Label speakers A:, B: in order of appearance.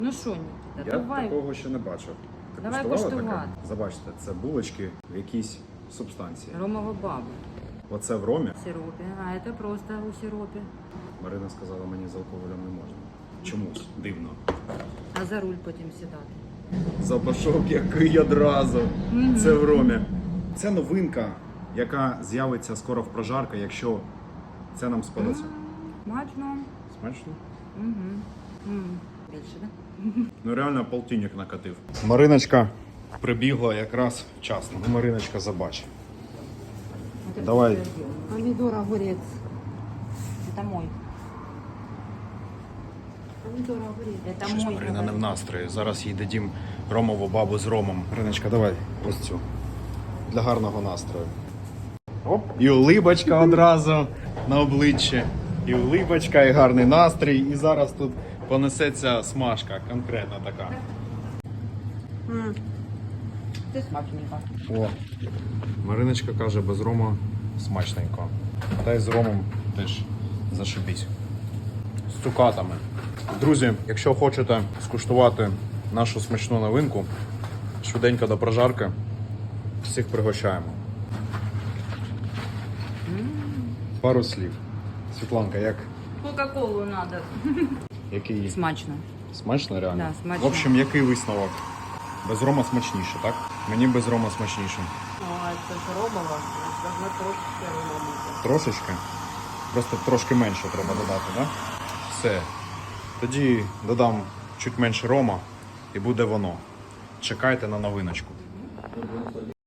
A: Ну що, Нікіта,
B: Я
A: давай.
B: такого ще не бачив. Ти
A: Давай
B: куштувала
A: куштувати.
B: таке? Забачте, це булочки в якійсь субстанції.
A: Ромова баба.
B: Оце в ромі.
A: В сиропі, а це просто у сиропі.
B: Марина сказала, мені з алкоголем не можна. Чомусь. Дивно.
A: А за руль потім сідати.
B: Запашок який одразу. Це в ромі. Це новинка, яка з'явиться скоро в прожарка, якщо це нам сподобається.
A: Смачно.
B: Смачно?
A: Більше, так?
B: Ну реально полтинник накатив. Мариночка прибігла якраз вчасно. Ну, Мариночка, забач. Давай.
A: Помидор, огурец. Это мой. Помидор, огурец. Это
B: Щось
A: мой.
B: Марина не в настрої. Зараз їй дадім ромову бабу з ромом. Мариночка, давай ось цю. Для гарного настрою. Оп. І улибочка одразу на обличчі. І улибочка, і гарний настрій. І зараз тут понесеться смажка, конкретна така.
A: Це смачненько.
B: О, Мариночка каже, без рома смачненько. Та й з ромом теж зашибіть. З цукатами. Друзі, якщо хочете скуштувати нашу смачну новинку, швиденько до прожарки, всіх пригощаємо. Пару слів. Світланка, як?
A: Кока-колу надо.
B: Який?
A: Смачно.
B: Смачно реально?
A: Да, смачно.
B: В общем, який висновок? Без рома смачніше, так? Мені без рома смачніше.
A: А це ж ромова. Должна трошки рома бути.
B: Трошечки? Просто трошки менше треба додати, так? Да? Все. Тоді додам чуть менше рома і буде воно. Чекайте на новиночку.